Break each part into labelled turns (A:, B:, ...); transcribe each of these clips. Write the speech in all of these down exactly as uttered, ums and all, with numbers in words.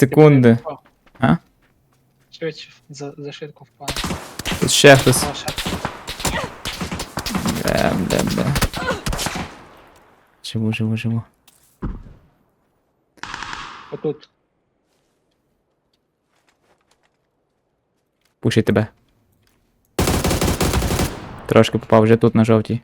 A: секунди. А?
B: Швидше, за, за швидко впав.
A: Тут ще хтось.
B: О, ще.
A: Бля, бля, бля. Живу, живу, живу.
B: Отут.
A: Пушить тебе. Трошки попав вже тут на жовтій.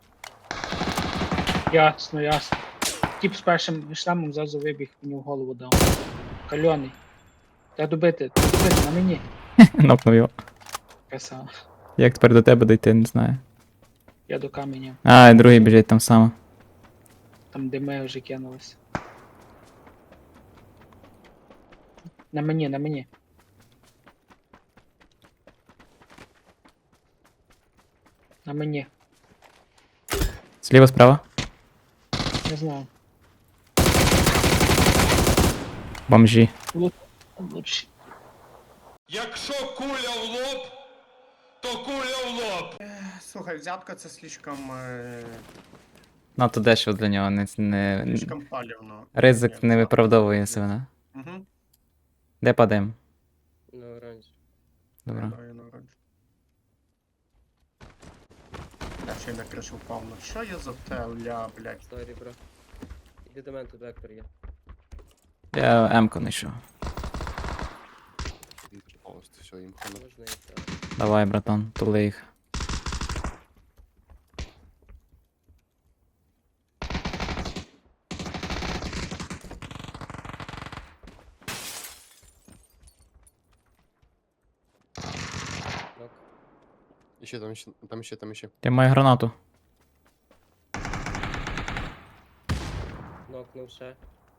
B: Ясно, ясно. Тіп з першим шлемом зразу вибіг, мені в голову дав. Кальоний. Треба добити, треба добити, на мені.
A: Нокнув його.
B: Красава.
A: Як тепер до тебе дойти, не знаю.
B: Я до каменя.
A: А, і другий біжить там само.
B: Там де ми вже кинулись. На мені, на мені. На мені.
A: Зліва, справа.
B: Не знаю.
A: Бомжі.
B: Лучше.
C: Якщо куля в лоб, то куля в лоб.
D: Слухай, взятка це слишком, е,
A: Надто дешево для нього, не, не...
D: слишком палівно.
A: ризик не виправдовує себе.
D: Угу.
A: Де падаємо?
E: На оранж.
A: Добре.
D: Я ще й на кришу впав. Ну що я за те, ля, блядь.
E: Сорі, бро. Іди до мене, тут вектор є.
A: Я М-ку знайшов.
C: Повністю все, їм хана.
E: Можна і так.
A: Давай, братан, тули їх.
E: Нок.
C: І ще там, ще, там ще, там ще.
A: Я маю гранату.
E: Нокнув ще.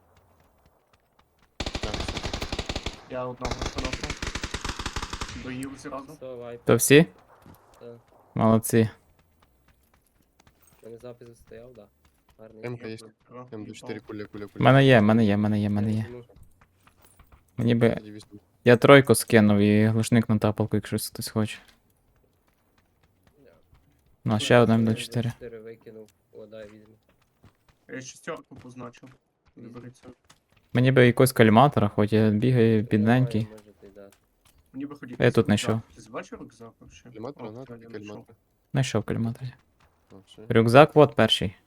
C: Так, все.
D: Я одного хорошого. Доїв зразу.
E: Все, вайп.
A: То всі?
E: Так.
A: Молодці.
E: У мене запис стояв, да. Гарний.
C: М-ка є. М до чотири куля, куля,
A: В
C: куля.
A: мене є, в мене є, в мене є, в мене є.
E: Ну,
A: Мені би.
C: Тоді візьму.
A: Я тройку скинув і глушник на тапалку, якщо хтось хоче.
E: да.
A: Ну, ще одна М
E: Я
A: до чотири.
E: чотири викинув. О, дай візьму.
D: Я шістерку позначив. Виберіться.
A: Мені би якогось каліматора, хоч я бігаю бідненький.
E: Немає, можете дати.
D: Мені би хотіти.
A: Я тут знайшов.
D: Ти бачив рюкзак вообще?
C: Каліматор,
D: О,
C: на,
D: я
C: тоді
D: знайшов.
C: каліматор.
A: Знайшов каліматор.
C: О, все.
A: Рюкзак, от перший.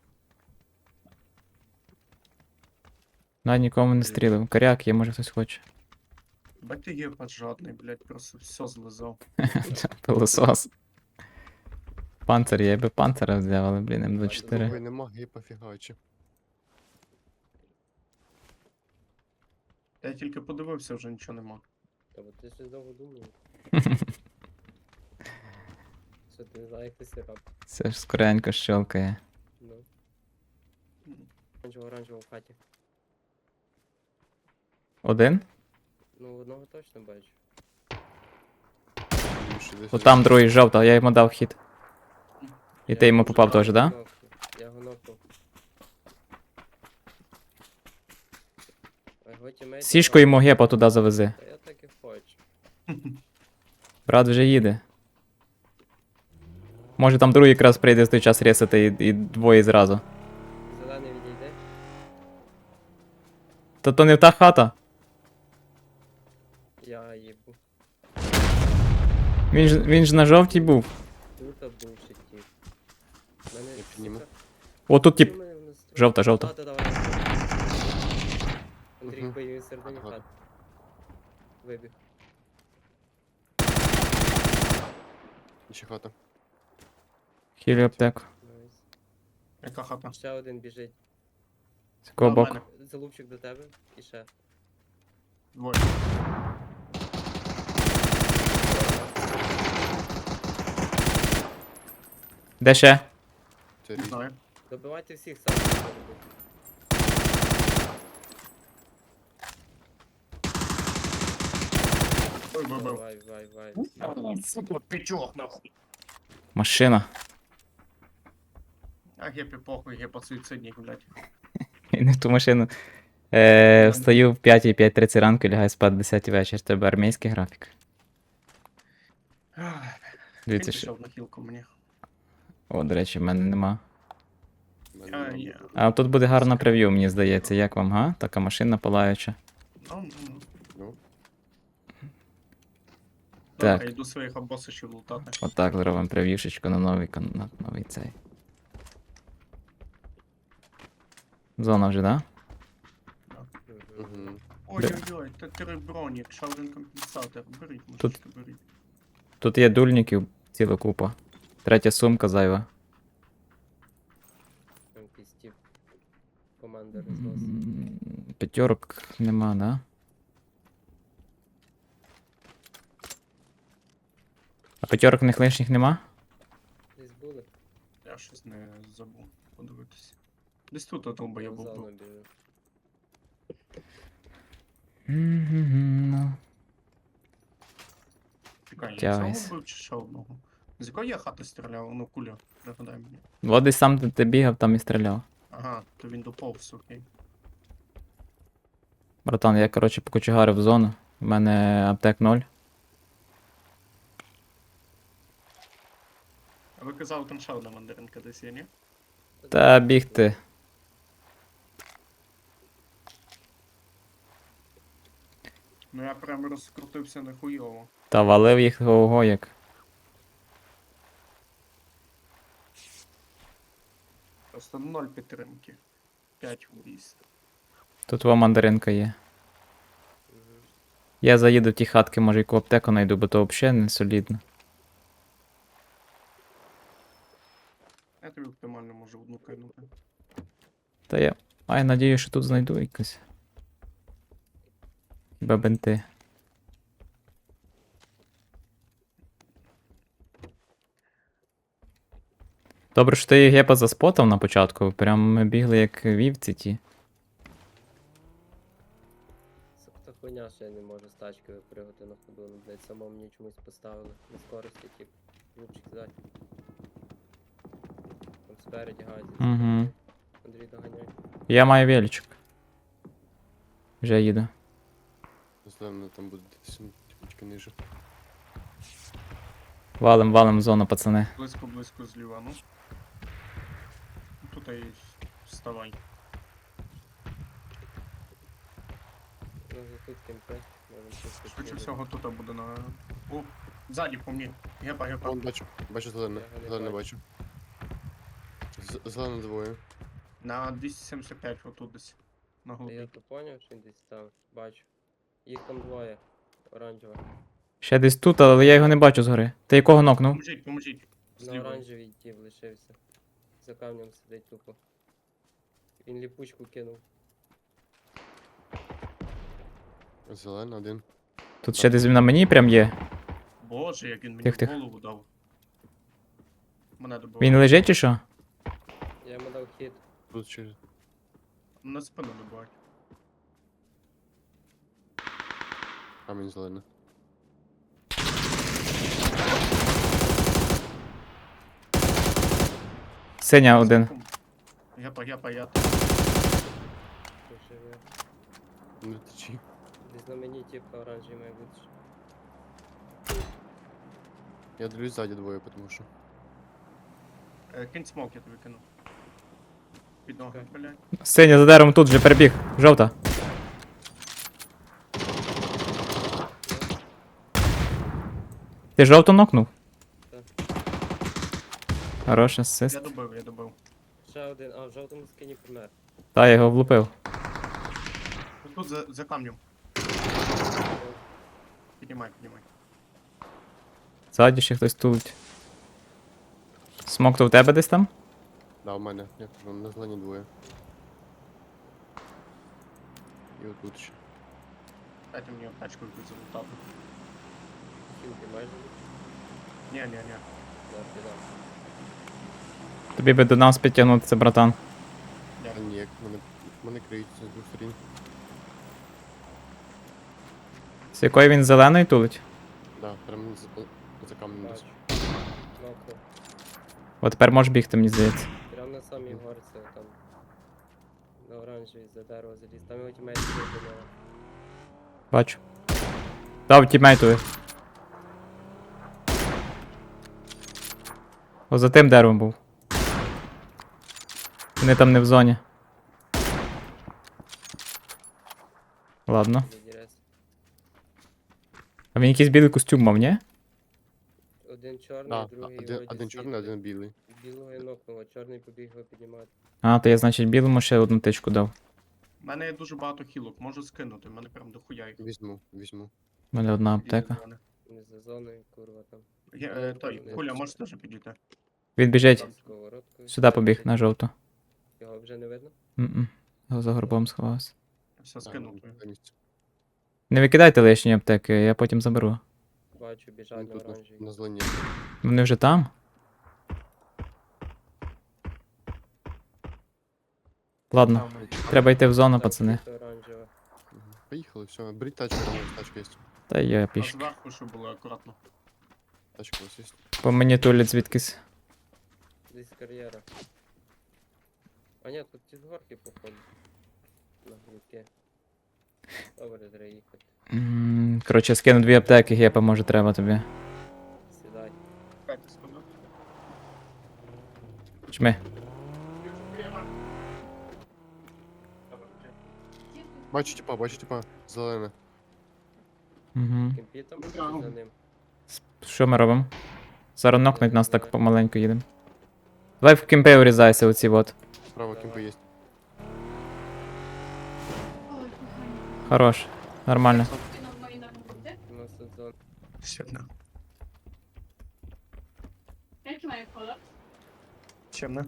A: Навіть нікому не стрілив. Коряк є, може хтось хоче.
D: Бать ти є жадний, блядь, просто все злизав.
A: Пилосос. Панцир є, я би панцира взяв, але, блін, М двадцять чотири.
C: Другої нема, гіпа фігачі.
D: Я тільки подивився, вже нічого нема.
E: Та бо ти щось довго думав. Що ти не знаєш, як ти сироп.
A: Це ж скоренько щелкає.
E: Ну. Оранжево, оранжево в хаті.
A: Один?
E: Ну, одного точно бачу.
C: Більше десь
A: О, там другий жовта, я йому дав хід. І ти йому попав теж, да?
E: Нокнув. Я його нокнув. А його тімейт
A: Сішку йому гепа туди завези.
E: Та я так і хочу.
A: Брат вже їде. Може там другий якраз прийде в той час ресати і, і двоє зразу.
E: Зелений відійде.
A: Та то не та хата.
E: Я їбу.
A: Він ж, він ж на жовтій був.
E: Тут був ще тіп. Мене
C: Я підніму.
E: сука,
A: О, тут тип.
E: чому мене в настрої?
A: Жовта, жовта.
E: Хата, давай. Андрій,
C: Мгм.
E: поїв середині
C: Ага.
E: хат. Вибіг.
C: І ще хата.
A: Хілі аптеку.
E: Найс.
D: Яка хата?
E: Ще один біжить.
A: З якого
D: А, в
A: боку?
D: мене.
E: Залупчик до тебе і ще.
D: Двоє.
A: Де ще?
C: Це
D: Не
C: різні.
D: знаю.
E: Добивайте всіх сам. може бути.
D: Ой, вибив.
E: Вай, вай, вай.
D: Сука, пічок нахуй.
A: Машина.
D: А гепі похуй, гепа суїцидник, блядь.
A: І не в ту машину. Е, встаю в п'ятій, п'ять тридцять ранку і лягаю спати в десятій вечір. Тебе армійський графік.
D: Ах,
A: Дивіться,
D: він
A: що.
D: пішов на хілку мені.
A: О, до речі, в мене нема.
C: В мене
D: А,
C: нема.
D: є.
A: А тут буде гарна прев'ю, мені здається. Як вам, га? Така машина палаюча.
D: Ну, ну,
F: Ну,
A: Так.
D: Я йду своїх обосичів лутати.
A: Отак зробимо прев'юшечку на новий, кон- на новий цей. Зона вже, да?
E: Мгм.
F: угу.
D: Ой-ой-ой, це три бронік, ще один компенсатор. Беріть, мужички, беріть.
A: Тут є дульників ціла купа. Третя сумка зайва.
E: Там якийсь тип команди рознос.
A: М, П'ятьорок нема, да? А п'ятьорок в них лишніх нема?
E: Десь були.
D: Я щось не забув подивитися. Десь тут отоба я
E: В
D: був.
E: зону біли.
A: Мгм, ну.
D: Чекай, я
A: Тягайся.
D: цього вбив чи ще одного? З якої я хати стріляв? Ну, куля, пригадай мені.
A: От десь сам де ти бігав, там і стріляв.
D: Ага, то він доповз, окей.
A: Братан, я, коротше, покочегарив в зону. У мене аптек ноль.
D: А ви казали, там ще одна мандаринка десь є, ні?
A: Та бігти.
D: Ну я прямо розкрутився нахуйово.
A: Та валив їх ого як.
D: Просто ноль підтримки. П'ять виїзд.
A: Тут во мандаринка є.
E: Мгм.
A: Я заїду в ті хатки, може яку аптеку знайду, бо то взагалі не солідно.
D: Я тобі оптимально можу одну кинути.
A: Та я маю надію, що тут знайду якось. Хіба бенти. Добре, що ти їх гепа заспотав на початку. Прям ми бігли як вівці ті.
E: Це та хуйня, що я не можу з тачки випригати на ходу. Ну, блядь, самому мені чомусь поставили. На скорості, тип. Лупчик кидати. Там спереді гадять.
A: Угу.
E: Андрій, доганяй.
A: Я маю величок. Вже їду.
F: Зелено там буде десь ну, типочки ниже.
A: Валим, валим в зону, пацани.
D: Близько-близько зліва, ну. Тут і вставай.
E: Ну, вже тут кемпи. Можем щось
D: Швидше
E: підкидати.
D: всього тут буде на. О, ззаді по мені. Гепа, гепа.
F: Вон бачу, бачу зелене,
E: Я його не
F: зелене бачу. З- Зелене двоє.
D: На двісті сімдесят п'ять отут десь. На
E: Та я
D: глибі.
E: то поняв, що він десь там. Бачу. Їх там двоє. Оранжева.
A: Ще десь тут, але я його не бачу згори. Ти якого нокнув?
D: Поможіть, поможіть.
E: На
D: Зліва.
E: оранжевій тіп лишився. За камнем сидить тупо. Він ліпучку кинув.
F: Зелене один.
A: Тут ще десь на мені прям є.
D: Боже, як він мені
A: Тих,
D: в
A: тих.
D: голову дав. Мене добив.
A: Він лежить чи що?
E: Я йому дав хід.
F: Тут через.
D: На спину добивають.
F: Камінь зелене.
A: Синя один.
D: Гепа, гепа, я.
E: Лишив я.
F: Не течі.
E: Десь на мені тіп оранжевий має бути.
F: Я дивлюсь ззаді двоє, тому що.
D: Е, Кинь смок, я тобі кинув. Під ноги,
E: Окей.
D: блядь.
A: Синя за деревом тут вже перебіг. Жовта. Ти жовту нокнув?
E: Так.
A: Хороший
D: Я
A: асист.
D: добив, я добив.
E: Ще один, а в жовтому скині помер.
A: Та я його влупив.
D: Тут за, за камнем. Піднімай, піднімай.
A: Ззаді ще хтось тулить. Смок то в тебе десь там?
F: Да, у мене. Я кажу, на зелені двоє. І отут ще.
D: Дайте мені аптечку якусь залутати.
E: Кінки майже.
D: Ні, ні, ні.
E: Да, підав.
A: Тобі би до нас підтягнутися, братан.
F: А ні, як мене, мене криють з двох сторін.
A: З якої він зеленої тулить?
F: Да, прям за, за камнем десь.
E: Бачу. Нокнув.
A: От тепер можеш бігти, мені здається.
E: Прям на самій горці там. На оранжевій за дерево заліз. Там його тімейт сидить до нього.
A: Бачу. Дав тімейтові. О, за тим деревом був. Вони там не в зоні. Ладно.
E: Задірес.
A: А він якийсь білий костюм мав, ні?
E: Один чорний,
F: Да,
E: другий
F: один,
E: вроді
F: один чорний,
E: світлий.
F: один білий.
E: Білого я нокнув, а чорний побіг його піднімати.
A: А, то я, значить, білому ще одну тичку дав.
D: У мене є дуже багато хілок, можу скинути, в мене прям дохуя їх.
F: Візьму, візьму.
A: У мене одна
D: Підійди
A: аптека.
D: до мене.
E: Не за зоною, курва там.
D: Я, е, той, Куля, можеш теж підійти?
A: Він біжить.
E: З сковородкою.
A: Сюди побіг, на жовту.
E: Його вже не видно?
A: М-м. Його за горбом сховався.
D: Все скинув.
F: на місці.
A: Не викидайте лишні аптеки, я потім заберу.
E: Бачу,
F: Він
E: біжать на
F: тут на,
E: оранжевій.
F: на зелені.
A: Вони вже там? Ладно, треба йти в зону,
E: Там
A: пацани.
E: чисто оранжева.
F: Мгм. Поїхали, все. Беріть тачку, там у вас тачка є.
A: Та я
D: А
A: пішки.
D: зверху, щоб було акуратно.
F: Тачка у вас є.
A: По мені тулять звідкись.
E: Десь кар'єра. А ні, тут ті з горки походу. На глюки. Добре, треба їхати.
A: М, Коротше, скину дві аптеки, гепа, може треба тобі.
E: Сідай.
D: Чекайте секунду.
A: Чми.
F: Бачу типа, бачу типа. Зелене.
A: Угу.
E: Кемпі там чи
D: Браво.
E: за ним.
A: Що ми робимо? Зараз нокнуть нас так помаленьку їдемо. Давай в кемпи урізайся оці от.
F: Справа кімпи є.
A: Хорош. Нормально.
E: У нас тут зона.
D: Щемне.
G: Jaki mają kolor?
D: Щемне.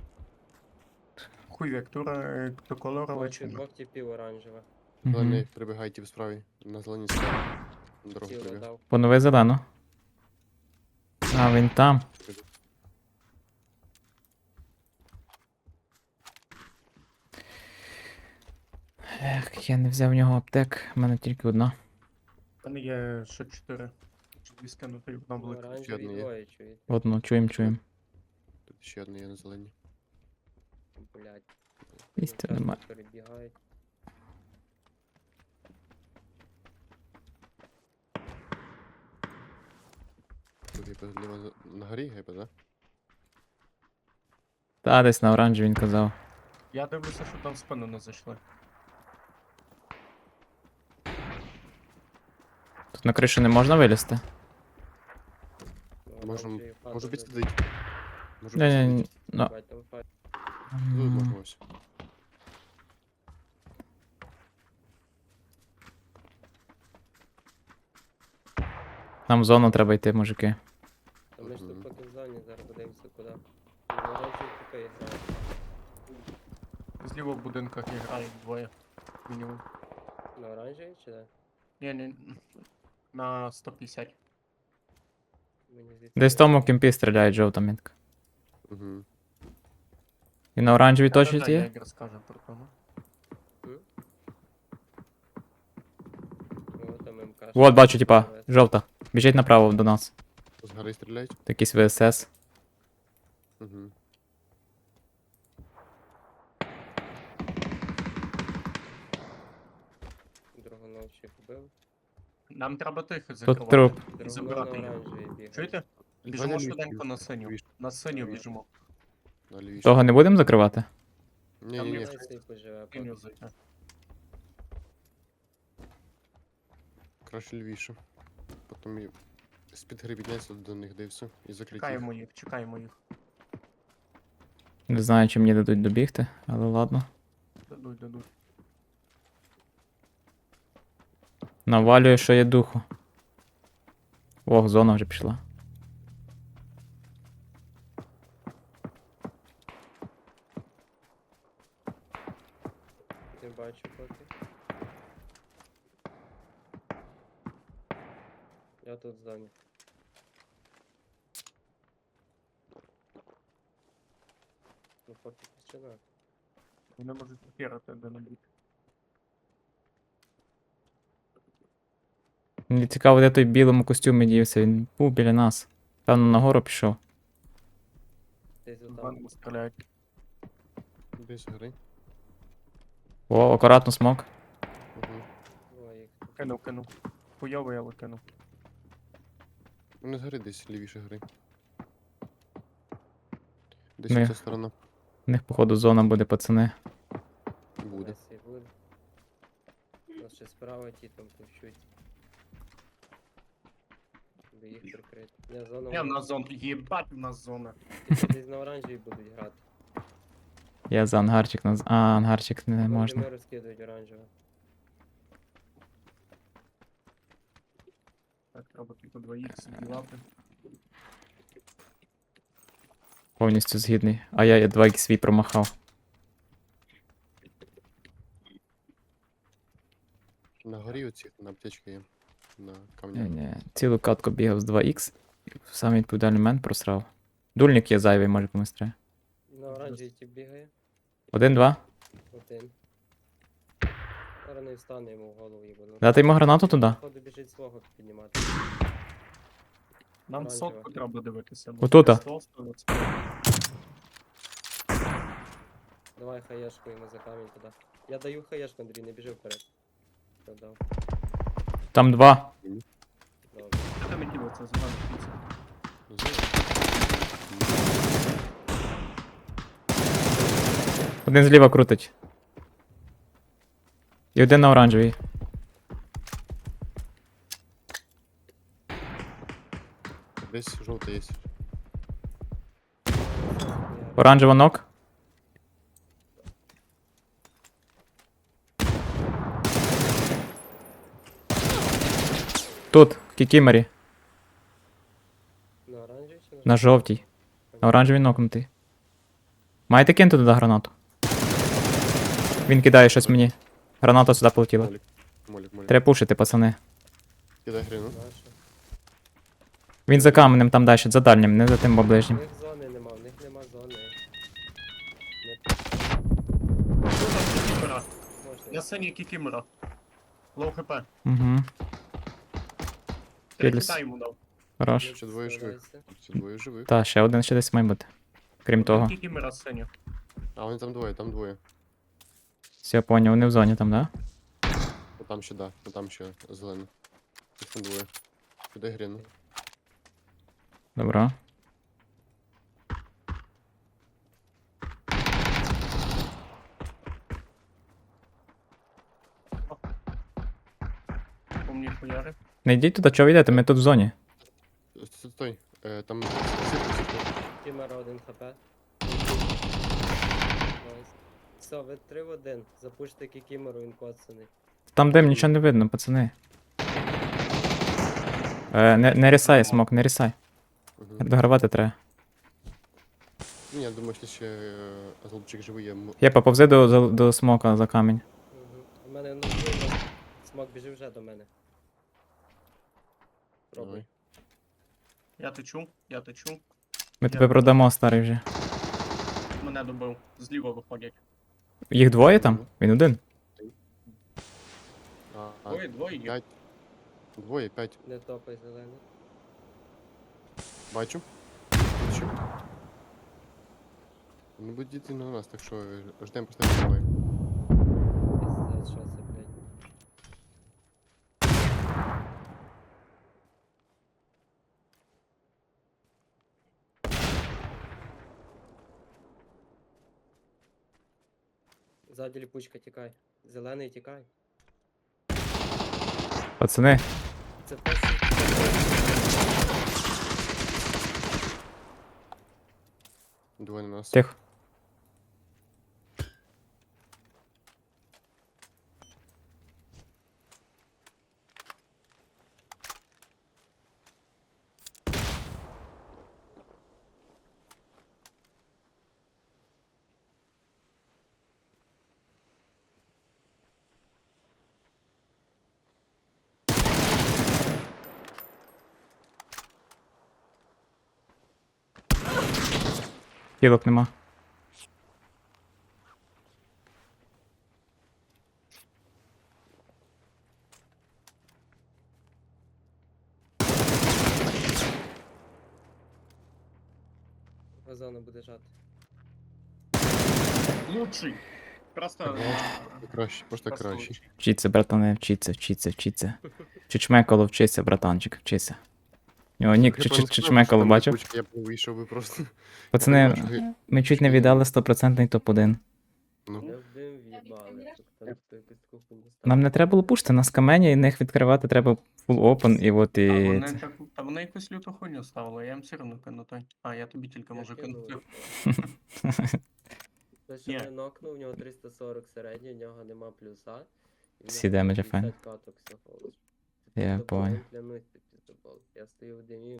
D: Хуй вектура е, до кольору, але
E: Бачу
D: чимне.
E: двох типів оранжева.
F: Зелений
A: Угу.
F: прибігайте в справі. На зеленій справі. На дорогу
E: Тіло
F: прибіг.
E: дав.
A: Понови зелену. А, він там. Ех, я не взяв в нього аптек, в мене тільки одна.
D: У мене є ще чотири. Чи дві скинути, одна велика.
E: Оранжеві
F: одне є.
E: двоє, чуєте?
A: Одну, чуєм, чуєм.
F: Тут ще одна є на зеленій.
E: Блять.
A: Місця немає.
E: Перебігають.
F: Тут гейпа зліва за- на горі гейпа, да?
A: Та, десь на оранжі він казав.
D: Я дивлюся, що там в спину не зайшли.
A: Тут на кришу не можна вилізти?
E: Ну,
F: Можем,
E: оранжеві
F: можу
E: падали.
F: підсадити. Можу
A: Не, не,
F: підсадити.
A: ну.
E: Бать, там файт.
F: Тут можна ось.
A: Нам в зону треба йти, мужики.
E: Та ми ж
F: Мгм.
E: тут поки в зоні, зараз подивимося куди. Ну, оранжеві поки грають.
D: Зліва в будинках і грають двоє. Мінімум.
E: На оранжеві чи де?
D: Ні, ні. На сто п'ятдесят.
E: Мені звідси
A: Десь в тому кемпі стріляють жовта мітка.
F: Угу.
A: І на оранжевій точно
D: Та-та-та, Я
A: є?
D: як розкажу про тому.
E: О, там МК.
A: Вот, бачу, типа, жовта. Біжить направо до нас.
F: З гори стріляють?
A: Якийсь ВСС.
F: Угу.
E: Драгоновчих вбив.
D: Нам треба тихо
A: Тут
D: закривати.
A: труп.
D: І
E: Драгонов на
D: забирати їх.
E: оранжевій бігає.
D: Чуєте? Біжимо швиденько на синю. На синю біжимо.
F: На лівіше.
A: Того не будемо закривати?
F: Ні,
D: Там
F: ні,
D: є
F: ні.
D: все.
E: Найсей поживе.
D: Синю зайти.
F: Краще лівіше. Потім і з-під гри підняться до них, де і все. І закриті.
D: Чекаємо їх, чекаємо їх.
A: Не знаю, чи мені дадуть добігти, але ладно.
D: Дадуть, дадуть.
A: Навалюю, що є духу. Ох, зона вже пішла.
E: Не бачу поки. Я тут в зоні. Ну поки тишина.
D: Вони можуть попірати де небудь.
A: Мені цікаво, де той в білому костюмі дівся. Він був біля нас. Певно, нагору пішов.
E: Десь
D: В
E: отам.
D: мене стріляють.
F: Десь з гори.
A: О, акуратно смок.
F: Угу.
E: О, їх тут.
D: Кинув, кинув. Хуйовий, але кинув.
F: Вони з гори десь лівіше гри. Десь
A: Ми-
F: ця сторона
A: У них, походу, зона буде, пацани.
F: буде.
E: Найсей буде. У нас ще справа ті там пущуть. би їх прикрити. Я зону.
D: Я на зону. Єбать, в нас зона.
E: Десь на оранжевій будуть грати.
A: Я за ангарчик наз... А, ангарчик не можна.
E: Вони розкидують оранжево.
D: Так, треба тільки два ікс ділати.
A: Повністю згідний. А я два ікс свій промахав.
F: На горі оці, на аптечці є. На
A: Ні,
F: камнях.
A: ні. Цілу катку бігав з два ікс. В самий відповідальний момент просрав. Дульник є зайвий, може комусь треба.
E: На оранжевій тип бігає.
A: Один-два.
E: Один. Зараз не встане йому в голову їбану.
A: Дати йому гранату туди.
E: Походу біжить свого піднімати.
D: Нам
E: Оранжева.
D: сотку треба дивитися.
A: Отута.
D: сто, сто, сто.
E: Давай хаєшку йому за камінь туди. Я даю хаєшку, Андрій, не біжи вперед. Я дав.
A: Там два.
E: Добре.
D: Що там і ділиться? Зелена птиця.
A: Один зліва крутить. І один на оранжевій.
F: Десь жовтий є.
A: Оранжева нок. Тут, в кікімері.
E: На оранжевій чи на
A: На жовтій. На оранжевій нокнутий. Маєте кинути туди гранату? Він кидає щось мені. Граната сюди полетіла.
F: Молік, молік, молік.
A: Треба пушити, пацани.
F: Кидай хріну.
E: наша?
A: Він за каменем там далі, за дальнім, не за тим
E: В
A: оближнім.
E: них зони нема, в них нема зони. Не
D: Кікімера.
E: можна.
D: Я синій кікімера. Лоу хп.
A: Угу.
D: Три
A: Філіс.
D: хіта йому дав.
A: Хорош.
F: Ще двоє живих.
E: Старайся.
F: Ще двоє живих.
A: Та, ще один ще десь має бути. Крім того.
D: Кікімера синя.
F: А вони там двоє, там двоє.
A: Все, я поняв, вони в зоні там, да?
F: А там ще, да, а там ще зелено. Їх там двоє. Кидай гріну.
A: Добро.
D: По мені хуяри.
A: Не йдіть туди, чого ви йдете, ми тут в зоні.
F: Стой, стой. Е, там сітка, сітка.
E: Кімера один хп. Найс. Все, ви три в один. Запуште кікімеру, він коцаний.
A: Там дим, нічого не видно, пацани. Е, не, не рісай, смок, не рісай.
F: Угу.
A: Догравати треба.
F: Ні, я думаю, що ще е, голубчик живий є. М-
A: Я поповзи до, до, до смока за камінь.
E: Угу. У мене ну видно. Смок біжи вже до мене. Пробуй.
F: Давай.
D: Я течу, я течу.
A: Ми тебе продамо, старий вже.
D: Мене добив. Зліва виходять.
A: Їх двоє там? Він один.
F: А, а,
D: Двоє, двоє є.
F: п'ять. Двоє, п'ять.
E: Не топай зелений.
F: Бачу. Бачу. Не будуть діти на нас, так що е, ждемо просто двоє.
E: Пиздець, що це, блядь. Ззаді ліпучка, тікай. Зелений, тікай.
A: Пацани,
E: Це перший.
F: Двоє на нас.
A: тихо. Хілок нема.
E: Озона буде жати.
D: Лучший. Просто.
F: Краще, просто
D: Просто
F: краще.
D: лучший.
A: Вчіться, братане, вчіться, вчіться, вчіться. Чучмекало, вчися, братанчик, вчися. У нього нік
F: Я певно,
A: Чучмекало,
F: що там
A: бачив?
F: липучка, Я б вийшов би просто.
A: Пацани,
F: бачу, ви-
A: ми чуть не віддали сто відсотків топ один.
F: Ну,
E: Я в дим в'їбали. Тут там хто якусь таку хуйню ставить.
A: Нам не треба було пушити, нас камені, і них відкривати треба full open, і от
D: А
A: і.
D: вони
A: це.
D: так, та вони якусь люту хуйню ставили, я їм все одно кину той. А, я тобі тільки
E: Я
D: можу
E: кинув.
D: кинути.
E: Той, що
D: Ні.
E: мене нокнув, у нього триста сорок середній, у нього нема плюса. і в
A: Всі
E: нього
A: демеджі
E: п'ятдесят
A: файн.
E: каток всього лиш.
A: Я
E: Піздобол,
A: понял.
E: клянусь, це піздобол. Я стою в димі,